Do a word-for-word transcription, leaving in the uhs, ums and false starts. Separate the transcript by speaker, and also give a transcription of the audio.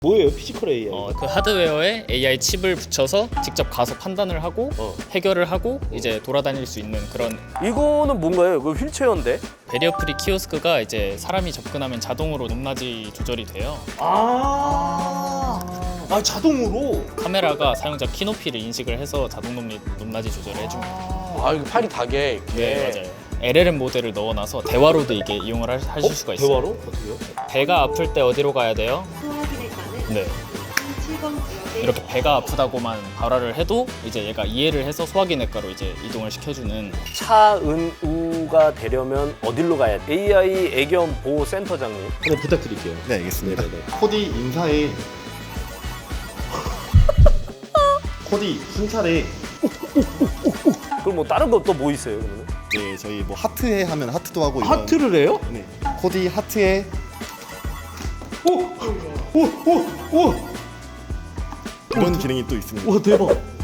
Speaker 1: 뭐예요? 피지컬 에이아이?
Speaker 2: 어, 그 하드웨어에 에이아이 칩을 붙여서 직접 가서 판단을 하고
Speaker 1: 어.
Speaker 2: 해결을 하고 이제 돌아다닐 수 있는 그런
Speaker 3: 이거는 뭔가요? 이거 휠체어인데?
Speaker 2: 베리어 프리 키오스크가 이제 사람이 접근하면 자동으로 높낮이 조절이 돼요.
Speaker 1: 아, 아 자동으로?
Speaker 2: 카메라가 사용자 키높이를 인식을 해서 자동 높- 높낮이 조절을 해줍니다.
Speaker 3: 아 이거 팔이 닿게 이렇게.
Speaker 2: 네, 맞아요. 엘엘엠 모델을 넣어놔서 대화로도 이게 이용을 하- 하실
Speaker 1: 어?
Speaker 2: 수가 있어요.
Speaker 1: 대화로? 어떻게요?
Speaker 2: 배가 아플 때 어디로 가야 돼요?
Speaker 4: 소화기내과는
Speaker 2: 네.
Speaker 4: 칠 번 구역에
Speaker 2: 이렇게 배가 아프다고만 발화를 해도 이제 얘가 이해를 해서 소화기내과로 이제 이동을 시켜주는.
Speaker 3: 차은우가 되려면 어디로 가야 돼? 에이아이 애견 보호 센터장님.
Speaker 1: 하나 부탁드릴게요.
Speaker 5: 네, 알겠습니다.
Speaker 1: 네네네.
Speaker 5: 코디 인사에 코디 순찰에
Speaker 3: 그럼 뭐 다른 거 또 뭐 있어요 그러면?
Speaker 5: 네, 저희 뭐 하트해 하면 하트도 하고 이런
Speaker 1: 하트를 해요?
Speaker 5: 네. 코디 하트해
Speaker 1: 오! 오! 오! 오!
Speaker 5: 이런 기능이 또 있습니다.
Speaker 1: 와 대박!